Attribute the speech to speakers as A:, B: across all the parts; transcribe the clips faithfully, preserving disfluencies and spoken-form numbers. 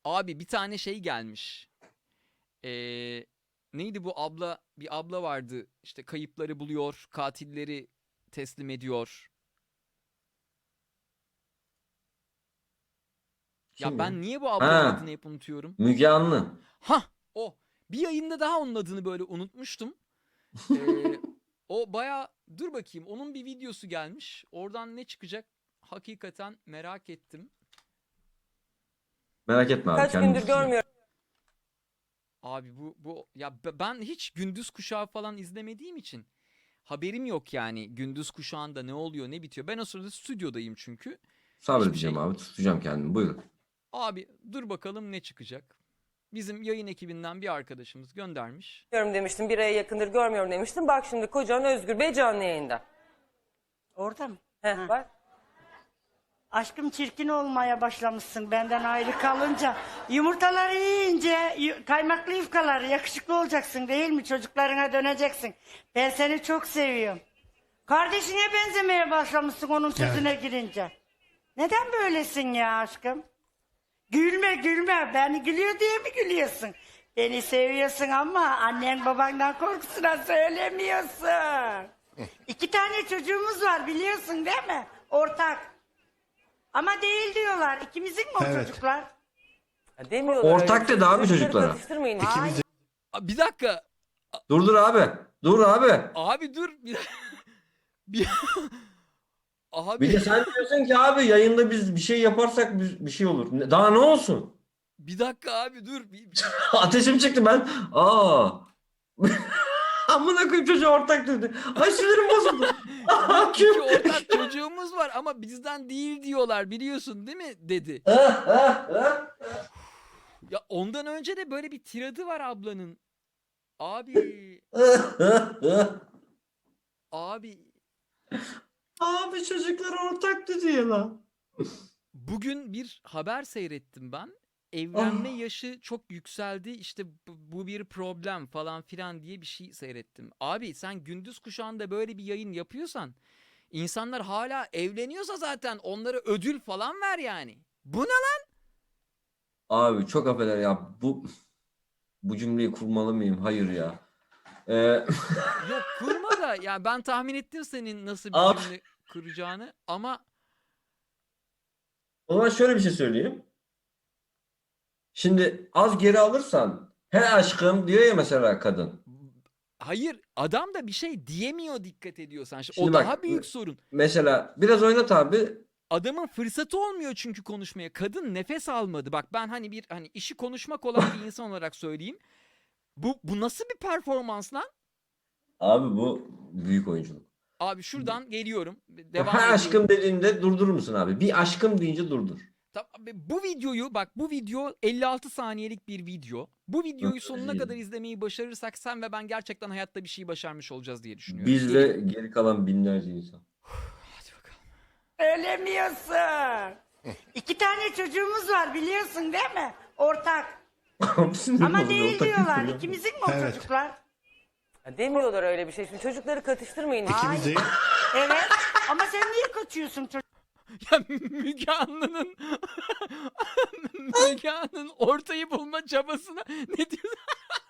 A: Abi bir tane şey gelmiş. Ee, neydi bu abla? Bir abla vardı. İşte kayıpları buluyor, katilleri teslim ediyor. Ya
B: Kim ya?
A: ben niye bu ablanın adını
B: Ha,
A: hep unutuyorum?
B: Müge Anlı.
A: Hah, o. Bir yayında daha onun adını böyle unutmuştum. Ee, o baya dur bakayım, onun bir videosu gelmiş. Oradan ne çıkacak? Hakikaten merak ettim.
B: Merak etme abi,
C: Kaç
B: kendim
C: gündür
B: izleyeceğim.
C: görmüyorum
A: Abi bu bu ya be- ben hiç gündüz kuşağı falan izlemediğim için haberim yok yani gündüz kuşağında ne oluyor ne bitiyor. Ben o sırada stüdyodayım çünkü. Hiçbir
B: Sabredeceğim
A: şey.
B: abi, tutacağım kendimi. Buyurun.
A: Abi dur bakalım ne çıkacak. Bizim yayın ekibinden bir arkadaşımız göndermiş.
C: demiştim. Bir aya yakındır görmüyorum demiştim. Bak şimdi kocan Özgür Bey canlı yayında.
D: Orada mı?
C: Heh,
D: Ha.
C: bak.
D: Aşkım çirkin olmaya başlamışsın benden ayrı kalınca. Yumurtaları yiyince yu- kaymaklı yufkaları yakışıklı olacaksın değil mi? Çocuklarına döneceksin. Ben seni çok seviyorum. Kardeşine benzemeye başlamışsın onun sözüne girince. Neden böylesin ya aşkım? Gülme gülme. Beni gülüyor diye mi gülüyorsun? Beni seviyorsun ama annen babandan korkusuna söylemiyorsun. İki tane çocuğumuz var biliyorsun değil mi? Ortak. Ama değil diyorlar. İkimizin mi o
E: Evet.
D: çocuklar?
C: Ya demiyorlar
B: Ortak
C: öyle bir
B: dedi
C: şey.
B: abi
C: Çocukları
B: çocuklara.
C: Katıştırmayın.
D: Ay,
A: Aa, bir dakika.
B: Dur dur abi. Dur abi.
A: Abi dur. Bir, bir... Abi
B: Bir de sen diyorsun ki abi yayında biz bir şey yaparsak bir, bir şey olur. Ne- Daha ne olsun?
A: bir dakika abi dur. Bir, bir-
B: Ateşim çıktı ben. Aa. Amına koyayım, çocuğa ortak dedi. Ay sinirim bozuldu. Aa,
A: İki
B: kim?
A: ortak çocuğumuz var ama bizden değil diyorlar biliyorsun değil mi dedi. Ya ondan önce de böyle bir tiradı var ablanın. Abi abi
B: Abi çocuklar ortak dedi ya lan.
A: bugün bir haber seyrettim ben. Evlenme
B: Ah.
A: yaşı çok yükseldi işte bu, bu bir problem falan filan diye bir şey seyrettim. Abi sen gündüz kuşağında böyle bir yayın yapıyorsan insanlar hala evleniyorsa zaten onlara ödül falan ver yani. Bu ne lan?
B: Abi çok affeder ya, bu bu cümleyi kurmalı mıyım? Hayır ya. Ee,
A: Yok kurma da ya ben tahmin ettim senin nasıl bir
B: Abi.
A: cümle kuracağını ama
B: O zaman şöyle bir şey söyleyeyim. Şimdi az geri alırsan he aşkım diyor ya mesela kadın.
A: hayır adam da bir şey diyemiyor dikkat ediyorsan. Şimdi
B: Şimdi
A: o
B: bak,
A: daha büyük sorun.
B: Mesela biraz oynat abi.
A: Adamın fırsatı olmuyor çünkü konuşmaya. Kadın nefes almadı. Bak ben hani bir hani işi konuşmak olan bir insan olarak söyleyeyim. Bu bu nasıl bir performans lan?
B: Abi bu büyük oyunculuk.
A: Abi şuradan geliyorum.
B: He
A: Devam edeyim.
B: aşkım dediğinde durdurur musun abi? Bir aşkım deyince durdur.
A: Tamam, bu videoyu bak bu video elli altı saniyelik bir video. Bu videoyu sonuna kadar izlemeyi başarırsak sen ve ben gerçekten hayatta bir şey başarmış olacağız diye düşünüyorum.
B: Bizle
A: Geliyor.
B: geri kalan binlerce insan.
A: Hadi bakalım.
D: Söylemiyorsun. İki tane çocuğumuz var biliyorsun değil mi? Ortak.
B: Sinirim
D: Ama
B: bozuldu,
D: değil
B: ortak
D: diyorlar.
B: kültürü yok.
D: İkimizin mi o
E: Evet.
D: çocuklar?
C: Ya demiyorlar öyle bir şey. Şimdi çocukları katıştırmayın.
D: Ay,
E: İkimizi
D: evet. Ama sen niye kaçıyorsun çocuk?
A: Ya Müge Anlı'nın Müge Anlı'nın ortayı bulma çabasına ne diyorsun?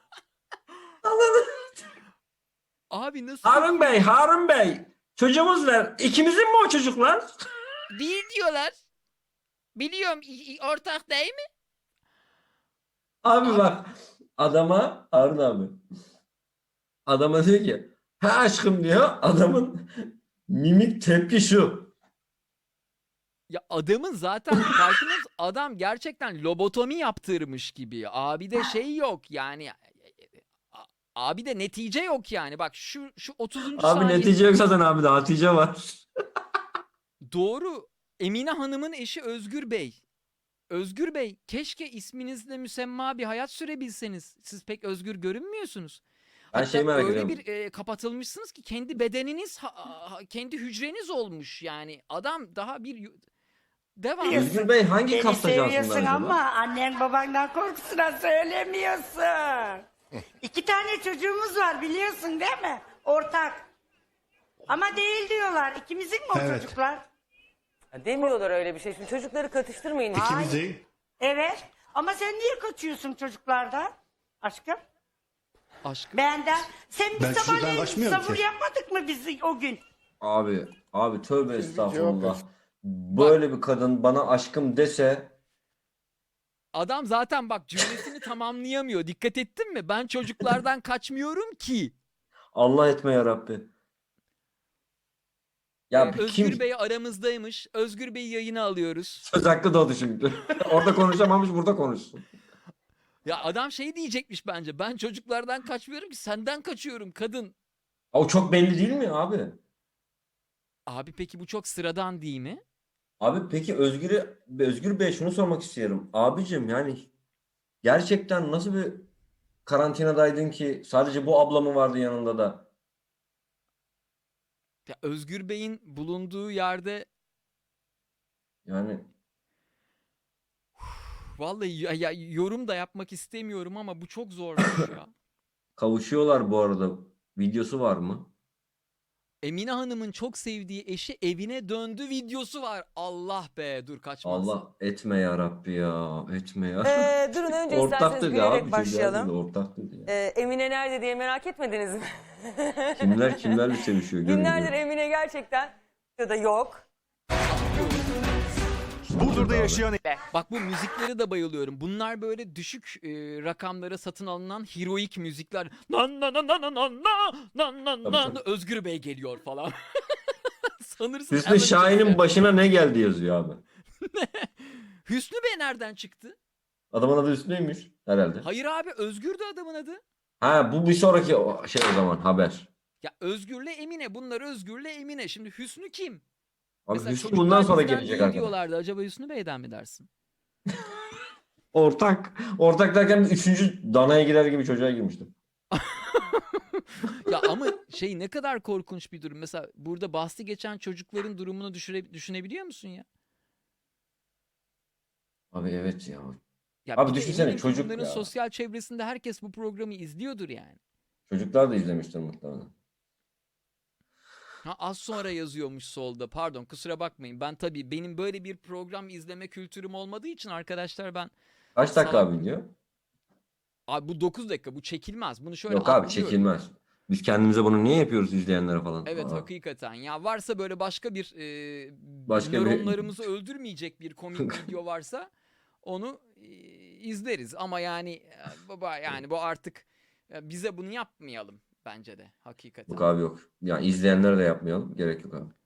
A: Abi nasıl
B: Harun Bey, Harun Bey. Çocuğumuz var. İkimizin mi o çocuklar?
A: değil diyorlar. Biliyorum i- i- ortak değil mi?
B: Abi bak, adama Harun abi. Adama diyor ki he aşkım diyor. Adamın mimik tepki şu.
A: Ya adamın zaten farkında mısın? Adam gerçekten lobotomi yaptırmış gibi. Abi de şey yok yani. A- Abi de netice yok yani. Bak şu şu otuzuncu
B: Abi
A: saniye.
B: netice yok zaten abi, de Hatice var.
A: Doğru. Emine Hanım'ın eşi Özgür Bey. Özgür Bey, keşke isminizle müsemma bir hayat sürebilseniz. Siz pek özgür görünmüyorsunuz.
B: Ben
A: Hatta
B: şey merak
A: öyle
B: ediyorum.
A: bir e, kapatılmışsınız ki kendi bedeniniz, ha- ha- kendi hücreniz olmuş yani. Adam daha bir yu- devam.
B: Özgür Bey hangi
D: Beni
B: kasta cansınlar
D: seviyorsun
B: acaba?
D: ama annen babandan korkusuna söylemiyorsun. İki tane çocuğumuz var biliyorsun değil mi? Ortak. Ama değil diyorlar. İkimizin mi o
E: Evet.
D: çocuklar?
C: Ya demiyorlar öyle bir şey. Şimdi çocukları katıştırmayın.
E: ikimizi
D: Evet. Ama sen niye kaçıyorsun çocuklardan? Aşkım.
A: Aşkım.
D: Benden. Sen bir
E: Ben çocuktan
D: sabahleyin
E: kaçmıyorum
D: savur
E: ki.
D: yapmadık mı biz o gün?
B: Abi, abi tövbe
F: Siz bir cevap
B: estağfurullah.
F: ver.
B: Böyle bir kadın bana aşkım dese
A: Adam zaten bak cümlesini tamamlayamıyor. Dikkat ettin mi? Ben çocuklardan kaçmıyorum ki.
B: Allah etme ya Rabbi. Ya
A: Ee,
B: bir
A: Özgür
B: kim
A: Bey aramızdaymış. Özgür Bey'i yayına alıyoruz.
B: söz hakkı doğdu şimdi. Orada konuşamamış, burada konuşsun.
A: Ya adam şey diyecekmiş bence. Ben çocuklardan kaçmıyorum ki senden kaçıyorum kadın.
B: O çok belli değil mi abi?
A: Abi peki bu çok sıradan değil mi?
B: Abi peki Özgür'e Özgür Bey şunu sormak istiyorum. Abicim yani gerçekten nasıl bir karantinadaydın ki sadece bu abla mı vardı yanında da?
A: Ya Özgür Bey'in bulunduğu yerde
B: Yani
A: vallahi ya, ya yorum da yapmak istemiyorum ama bu çok zormuş ya.
B: kavuşuyorlar bu arada. Videosu var mı?
A: Emine Hanım'ın çok sevdiği eşi evine döndü videosu var. Allah be dur kaçmaz.
B: Allah etme ya Rabbi ya. Etme ya.
C: Ee, durun önce isterseniz
B: Ortaktır ya
C: gülerek
B: abi.
C: başlayalım.
B: Ortaktır ya.
C: Ee, Emine nerede diye merak etmediniz mi?
B: Kimler kimlerle sevişiyor görün
C: Günlerdir
B: diyor.
C: Emine gerçekten ya da yok.
E: Burdur'da yaşayan
A: Bak bu müziklere de bayılıyorum. Bunlar böyle düşük e, rakamlara satın alınan heroik müzikler. Nan nan nan nan nan nan nan nan
B: Tabii,
A: nan
B: tabii.
A: Özgür Bey geliyor falan. Sanırsın
B: Hüsnü
A: Alan
B: Şahin'in
A: Türk'te.
B: başına ne geldi yazıyor abi.
A: Hüsnü Bey nereden çıktı?
B: Adamın adı Hüsnü'ymüş herhalde.
A: Hayır abi Özgür de adamın adı.
B: Ha bu bir sonraki o- şey o zaman haber.
A: Ya Özgür'le Emine. Bunlar Özgür'le Emine. Şimdi Hüsnü kim?
B: Abi
A: Mesela
B: Hüsnü
A: çocuklar
B: bundan sonra
A: bizden
B: gelecek
A: değil
B: arkadaş.
A: diyorlardı. Acaba Hüsnü Bey'den mi dersin?
B: Ortak. Ortak derken biz üçüncü danaya girer gibi çocuğa girmiştim.
A: Ya ama şey ne kadar korkunç bir durum. Mesela burada bahsi geçen çocukların durumunu düşüre, düşünebiliyor musun ya?
B: Abi evet ya.
A: Ya
B: Abi
A: bir de
B: düşünsene,
A: eminim ki
B: çocuk
A: bunların
B: ya.
A: sosyal çevresinde herkes bu programı izliyordur yani.
B: Çocuklar da izlemiştir muhtemelen.
A: Ha, az sonra yazıyormuş solda. Pardon kusura bakmayın. Ben tabii benim böyle bir program izleme kültürüm olmadığı için arkadaşlar ben
B: Kaç dakika
A: Salak.
B: abi diyor?
A: abi bu dokuz dakika bu çekilmez. Bunu şöyle
B: Yok abi
A: atlıyorum.
B: çekilmez. Biz kendimize bunu niye yapıyoruz izleyenlere falan?
A: Evet
B: Aa.
A: hakikaten. Ya varsa böyle başka bir e,
B: Başka bir-
A: nöronlarımızı öldürmeyecek bir komik video varsa onu e, izleriz. Ama yani e, baba yani bu artık e, bize bunu yapmayalım bence de hakikaten.
B: Yok abi yok. Ya izleyenlere de yapmayalım. Gerek yok abi.